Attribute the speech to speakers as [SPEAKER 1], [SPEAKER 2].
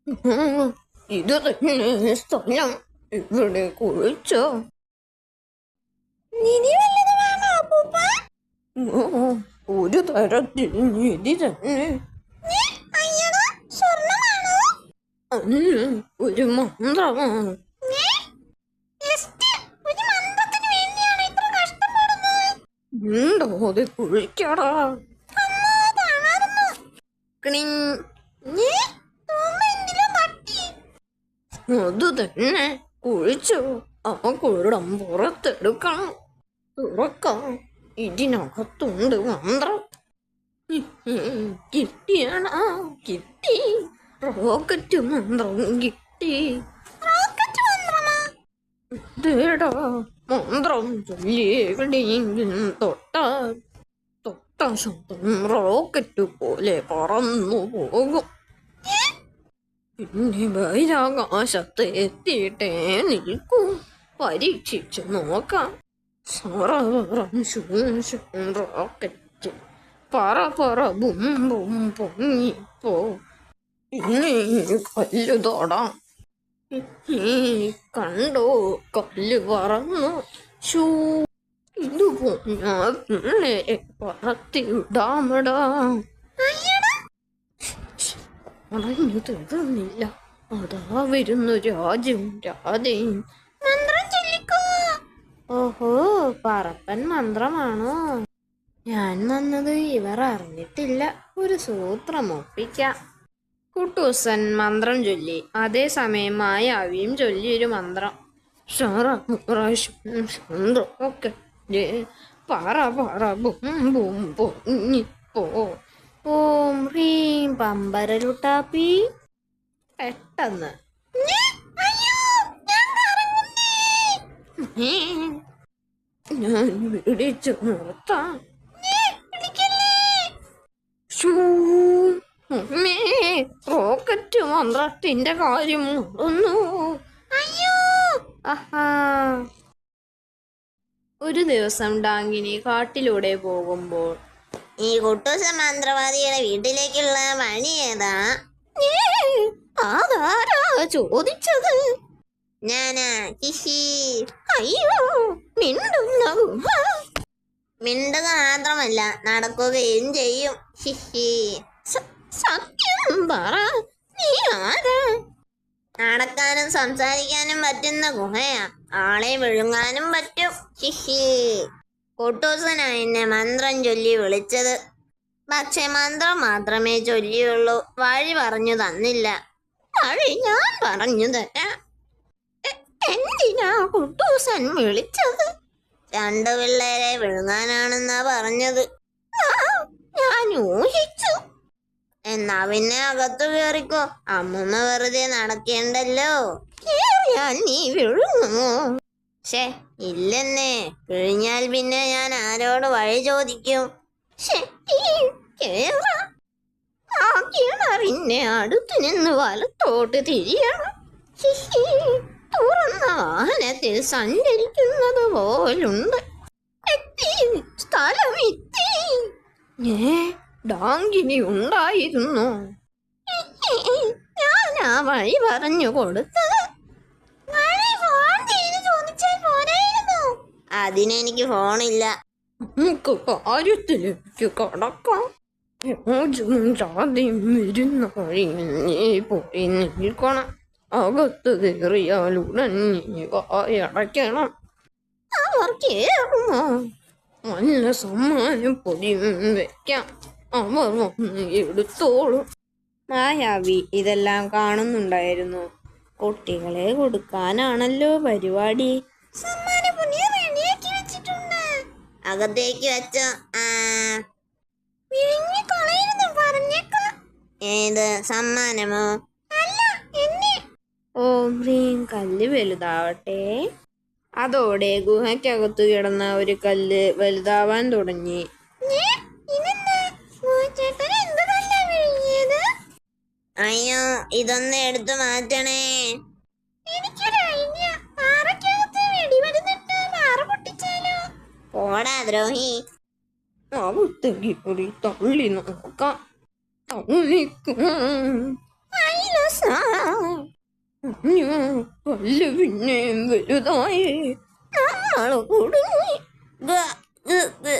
[SPEAKER 1] ഇത് തന്നെ സ്ഥലം. ഇവിടെ കുഴിച്ചോ? ഒരു തരത്തിൽ നിധി തന്നെ. ഒരു മന്ത്രമാണ്. ഉണ്ടോ അത് കുഴിക്കടാ. അത് തന്നെ കുഴിച്ചു. ആ കുഴടം പുറത്തെടുക്കണം. തുറക്കാം. ഇതിനകത്തുണ്ട് മന്ത്രം. കിട്ടിയാണോ? കിട്ടി. റോക്കറ്റ് മന്ത്രം കിട്ടി. േടാ മന്ത്രം ചൊല്ലി എവിടെയെങ്കിലും തൊട്ട ശബ്ദം റോക്കറ്റ് പോലെ പറന്നു പോകും. പിന്നെ ബഹിരാകാശത്ത് എത്തിയിട്ടേ നിൽക്കൂ. പരീക്ഷിച്ചു നോക്കാം. റോക്കറ്റ് പറ ബും ബും പൊങ്ങിപ്പോ. പിന്നെ കല്ല് തൊടാം. കണ്ടോ, കല്ല് പറന്നു. ഷൂ ഇത് പിള്ളേരെ പറത്തി വിടാമടാ. പറഞ്ഞു തീർന്നില്ല. അതാ വരുന്നു രാജും രാധയും. ഓഹോ, പറപ്പൻ മന്ത്രമാണോ? ഞാൻ വന്നത് ഇവർ അറിഞ്ഞിട്ടില്ല. ഒരു സൂത്രം ഒപ്പിക്കാം. കുട്ടൂസൻ മന്ത്രം ചൊല്ലി. അതേസമയം മായാവിയും ചൊല്ലിയൊരു മന്ത്രം. ഒക്കെ പറ ബും ബും പൊങ്ങിപ്പോ. ഓം ഹ്രീം പമ്പരലുട്ടാപ്പി. പെട്ടെന്ന് ഞാൻ പിടിച്ചു നിർത്താം. റോക്കറ്റ് മന്ത്രത്തിന്റെ കാര്യം നടന്നു. ഒരു ദിവസം ഡാങ്കിനി കാട്ടിലൂടെ പോകുമ്പോൾ,
[SPEAKER 2] ഈ കുട്ടൂസ മന്ത്രവാദിയുടെ വീട്ടിലേക്കുള്ള വഴി ഏതാ?
[SPEAKER 1] അതാരാ ചോദിച്ചത്?
[SPEAKER 2] ഞാനാ. ഹിഹി.
[SPEAKER 1] അയ്യോ,
[SPEAKER 2] മിണ്ടുക മാത്രമല്ല നടക്കുകയും ചെയ്യും. ഹിഹി.
[SPEAKER 1] സത്യം പറ, നീ ആരാ?
[SPEAKER 2] നടക്കാനും സംസാരിക്കാനും പറ്റുന്ന ഗുഹയാ. ആളെ വിഴുങ്ങാനും പറ്റും. ഹിഹി. കുട്ടൂസനാ എന്നെ മന്ത്രം ചൊല്ലി വിളിച്ചത്. പക്ഷെ മന്ത്രം മാത്രമേ ചൊല്ലിയുള്ളൂ. വഴി പറഞ്ഞു തന്നില്ല.
[SPEAKER 1] വഴി ഞാൻ പറഞ്ഞു തരാം. എന്തിനാ കുട്ടൂസൻ വിളിച്ചത്?
[SPEAKER 2] രണ്ടു പിള്ളേരെ വിഴുങ്ങാനാണെന്നാ പറഞ്ഞത്.
[SPEAKER 1] ഞാൻ ഊഹിച്ചു.
[SPEAKER 2] എന്നാ പിന്നെ അകത്തു കയറിക്കോ. അമ്മൂമ്മ വെറുതെ നടക്കേണ്ടല്ലോ.
[SPEAKER 1] കേറിയാൽ നീ വിഴുങ്ങുമോ?
[SPEAKER 2] ഇല്ലെന്നേ. വിഴിഞ്ഞാൽ പിന്നെ ഞാൻ ആരോട് വഴി ചോദിക്കും?
[SPEAKER 1] ആ കിണറിന്റെ അടുത്ത് നിന്ന് വലത്തോട്ട് തിരിയണം. തുറന്ന വാഹനത്തിൽ സഞ്ചരിക്കുന്നത് പോലുണ്ട്. സ്ഥലം എത്തി. ഡാങ്കിനി ഉണ്ടായിരുന്നു. ഞാൻ ആ വഴി പറഞ്ഞു കൊടുത്തത്.
[SPEAKER 2] അതിനെനിക്ക് ഫോണില്ല.
[SPEAKER 1] നമുക്ക് കാര്യത്തിലേക്ക് കടക്കാം. ജാതിയും വരുന്ന വഴിയിൽ നീ പോയി നിൽക്കണം. അകത്ത് കയറിയാൽ ഉടൻ നീ വായടയ്ക്കണം. അവർ കേറുമോ? നല്ല സമ്മാനം പൊടിയും വെക്കാം. അവർ വന്ന് എടുത്തോളും. മായാവി ഇതെല്ലാം കാണുന്നുണ്ടായിരുന്നു. കുട്ടികളെ കൊടുക്കാനാണല്ലോ പരിപാടി.
[SPEAKER 2] അകത്തേക്ക് വെച്ചോ. ഏത് സമ്മാനമോ?
[SPEAKER 1] ഓം ഹ്രീം കല്ല് വലുതാവട്ടെ. അതോടെ ഗുഹയ്ക്കകത്തു കിടന്ന ഒരു കല്ല് വലുതാവാൻ തുടങ്ങി.
[SPEAKER 2] അയ്യോ, ഇതൊന്ന് എടുത്തു മാറ്റണേ. പോടാ ദ്രോഹി.
[SPEAKER 1] അകത്തേക്ക് തള്ളി നോക്കാം. അയ്യോ, കല്ല് പിന്നെയും വലുതായി. നമ്മള് കുടുങ്ങി. ഗ, ഗ, ഗ.